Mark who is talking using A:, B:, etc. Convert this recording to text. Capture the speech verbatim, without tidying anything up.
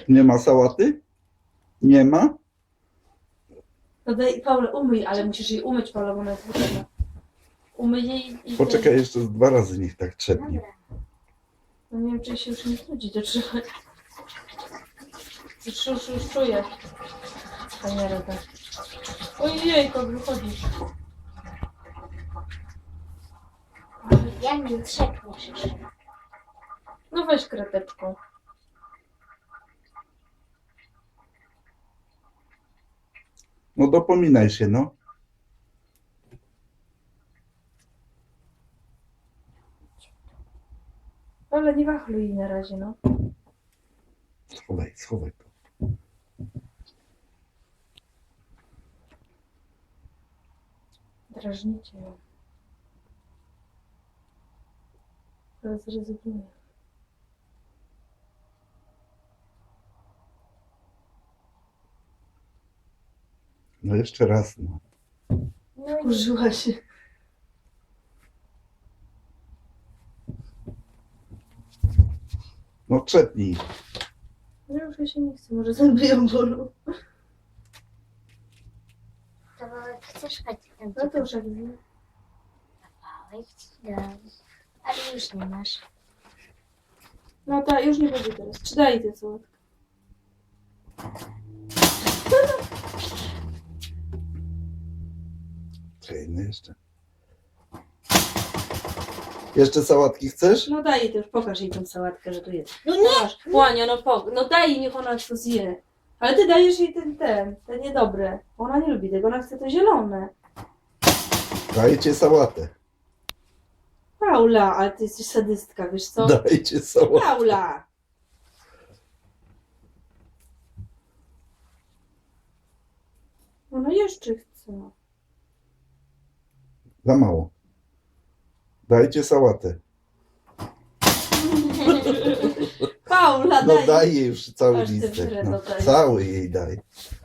A: Nie ma sałaty? Nie ma?
B: No daj, Paula, umyj, ale musisz jej umyć, Paula, bo ona jest brudna. Umyj jej i...
A: Poczekaj jeszcze z dwa razy, niech tak trzepnie.
B: No nie wiem, czy się już nie trudzi do trzymać. Już, już, już czuję. Fajna rada. Ojej, jak wychodzi.
C: Ja nie trzepniesz już.
B: No weź krateczką.
A: No dopominaj się, no.
B: Ale nie wachluj jej na razie, no.
A: Schowaj, schowaj to.
B: Drażnicie ją. Teraz rezygnuję.
A: No jeszcze raz, no.
C: No i
B: Użyła się.
A: No trzepnij.
B: No już jej się nie chce, może zęby ją bolą.
C: kawałek chcesz chodź tam.
B: No to już jak wiem.
C: Kawałek ci dam. Ale już nie masz.
B: No tak, już nie będzie teraz. Czy daj tę sałatkę?
A: Czekaj, no jeszcze. Jeszcze sałatki chcesz?
B: No daj jej to już, pokaż jej tą sałatkę, że tu jest.
C: No nie!
B: Masz, Łania, no, po, no daj jej, niech ona to zje. Ale ty dajesz jej ten, ten, te niedobre. Ona nie lubi tego, ona chce to zielone.
A: Dajcie sałatę.
B: Paula, ale ty jesteś sadystka, wiesz co?
A: Dajcie sałatę.
B: Paula! Ona jeszcze chce.
A: Za mało. Dajcie sałatę.
B: Paula,
A: No
B: daj.
A: daj jej już cały
B: Aż ty
A: listek.
B: wyrę
A: No,
B: dodaj.
A: cały jej daj.